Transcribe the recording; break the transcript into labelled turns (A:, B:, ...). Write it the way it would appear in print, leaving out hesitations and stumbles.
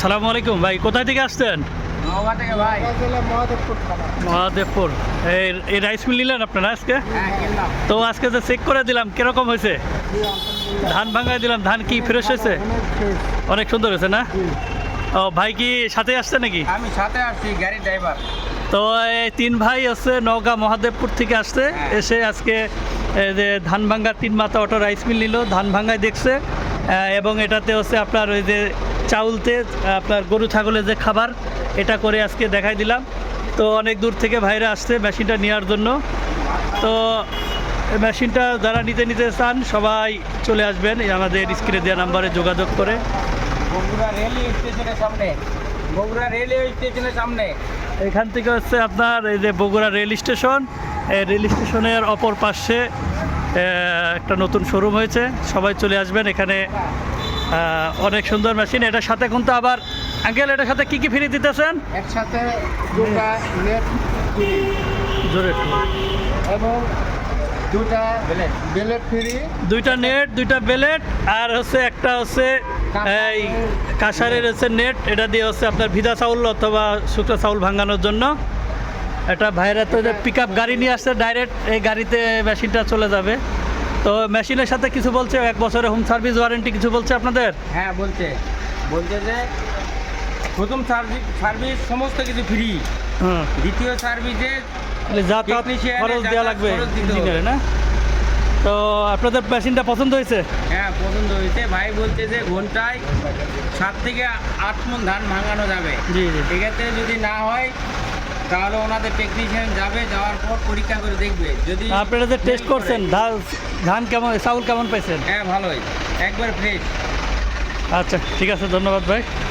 A: আসসালামু আলাইকুম ভাই, কোথায় থেকে আসছেন?
B: নওগাঁ থেকে ভাই।
A: মহাদেবপুর। এই রাইস মিল নিলেন আপনারা আজকে?
B: হ্যাঁ, কিনলাম।
A: তো আজকে যে চেক করে দিলাম কিরকম হয়েছে? ধান ভাঙায় দিলাম, ধান কি ফ্রেশ হয়েছে? অনেক সুন্দর হয়েছে না? ও ভাই কি সাথে আসছে নাকি?
B: আমি সাথে আসছি, গাড়ির ড্রাইভার।
A: তো এই তিন ভাই আছে নওগাঁ মহাদেবপুর থেকে আসছে, এসে আজকে এই যে ধান ভাঙ্গা তিন মাথা অটো রাইস মিল নিল, ধান ভাঙ্গায় দেখছে এবং এটাতে হচ্ছে আপনার ওই যে চাউলতে আপনার গরু ছাগলের যে খাবার এটা করে আজকে দেখাই দিলাম। তো অনেক দূর থেকে ভাইরা আসছে মেশিনটা নেওয়ার জন্য। তো এই মেশিনটা যারা নিতে চান সবাই চলে আসবেন এই আমাদের স্ক্রিনে দেওয়া নাম্বারে যোগাযোগ করে।
B: বগুড়া রেলওয়ে স্টেশনের সামনে, বগুড়া রেলওয়ে স্টেশনের সামনে।
A: এখান থেকে হচ্ছে আপনার এই যে বগুড়া রেল স্টেশন, এই রেল স্টেশনের অপর পাশে একটা নতুন শোরুম হয়েছে, সবাই চলে আসবেন এখানে। অনেক সুন্দর মেশিন। এটার সাথে কিন্তু আবার আঙ্কেল এটার সাথে কি ফ্রি দিতেছেন?
B: একসাথে দুটা নেট ফ্রি
A: জোরে
B: এবং দুটা বেলেট ফ্রি।
A: দুইটা নেট, দুইটা বেলেট, আর হচ্ছে একটা হচ্ছে এই কাঁসারের হচ্ছে নেট। এটা দিয়ে হচ্ছে আপনার ভিজা চাউল অথবা শুকনো চাউল ভাঙানোর জন্য। এটা ভাইরা তো পিক আপ গাড়ি নিয়ে আসছে, ডাইরেক্ট এই গাড়িতে মেশিনটা চলে যাবে। তো মেশিনের সাথে কিছু বলছে, 1 বছরের হোম সার্ভিস ওয়ারেন্টি কিছু বলছে আপনাদের?
B: হ্যাঁ, বলছে যে প্রথম সার্ভিস সমস্ত কিছু ফ্রি। দ্বিতীয় সার্ভিসে
A: যাতায়াত খরচ দেওয়া লাগবে ইঞ্জিনিয়ারে না? তো আপনাদের মেশিনটা পছন্দ হয়েছে?
B: হ্যাঁ, পছন্দ হয়েছে। ভাই বলছে যে ঘন্টায় 7 থেকে 8 মণ ধান ভাঙানো যাবে।
A: জি জি।
B: এক্ষেত্রে যদি না হয় তাহলে ওনাদের টেকনিশিয়ান যাবে, যাওয়ার পর পরীক্ষা করে দেখবে। যদি
A: আপনারা যে টেস্ট করছেন ধান কেমন, চাউল কেমন পাইছেন?
B: হ্যাঁ, ভালোই, একবার ফ্রেশ।
A: আচ্ছা ঠিক আছে, ধন্যবাদ ভাই।